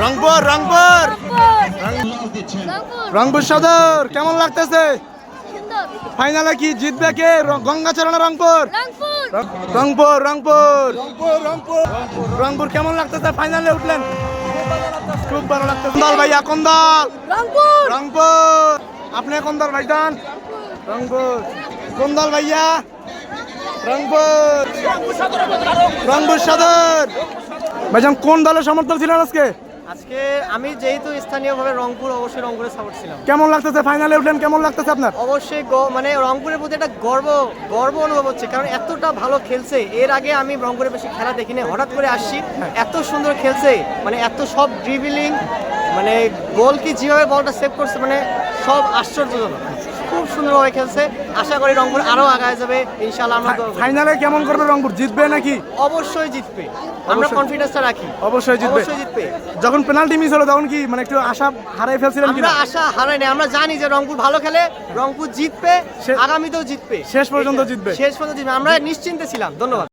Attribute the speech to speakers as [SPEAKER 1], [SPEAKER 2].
[SPEAKER 1] রংপুর রংপুর রংপুর সদর কেমন লাগতেছে? ফাইনালে কি জিতবে কে? গঙ্গাচরণ রংপুর রংপুর রংপুর রংপুর কেমন লাগতেছে? ফাইনালে উঠলেন, খুব ভালো লাগতেছে। কোন দল ভাইয়া, কোন দল? রংপুর। আপনি কোন দল ভাইজান? রংপুর। কোন দল ভাইয়া? রংপুর রংপুর সদর। ভাইজান কোন দলের সমর্থক ছিলেন আজকে?
[SPEAKER 2] আজকে আমি যেহেতু স্থানীয়ভাবে রংপুর, অবশ্যই রংপুরে সাপোর্ট ছিলাম।
[SPEAKER 1] কেমন লাগতেছে? ফাইনালে উঠলেন, কেমন লাগতেছে আপনার?
[SPEAKER 2] অবশ্যই মানে রংপুরের প্রতি একটা গর্ব অনুভব হচ্ছে, কারণ এতটা ভালো খেলছে। এর আগে আমি রংপুরে বেশি খেলা দেখিনি, হঠাৎ করে আসছি, এত সুন্দর খেলছে, মানে এত সব ড্রিবলিং, মানে গোল কি যেভাবে বলটা সেভ করছে, মানে সব আশ্চর্যজনক, খুব সুন্দরভাবে খেলছে। আশা করি রংপুর আরো আগায় যাবে ইনশাআল্লাহ। আমরা
[SPEAKER 1] ফাইনালে কেমন করবে রংপুর? জিতবে নাকি?
[SPEAKER 2] অবশ্যই জিতবে, আমরা কনফিডেন্সটা রাখি।
[SPEAKER 1] অবশ্যই জিতবে। যখন পেনাল্টি মিস হলো তখন কি মানে একটু আশা হারাই ফেলছিলেন কিনা?
[SPEAKER 2] আমরা আশা হারাই না, আমরা জানি যে রংপুর ভালো খেলে, রংপুর জিতবে, আগামীতেও জিতবে,
[SPEAKER 1] শেষ পর্যন্ত জিতবে।
[SPEAKER 2] আমরা নিশ্চিন্তে ছিলাম। ধন্যবাদ।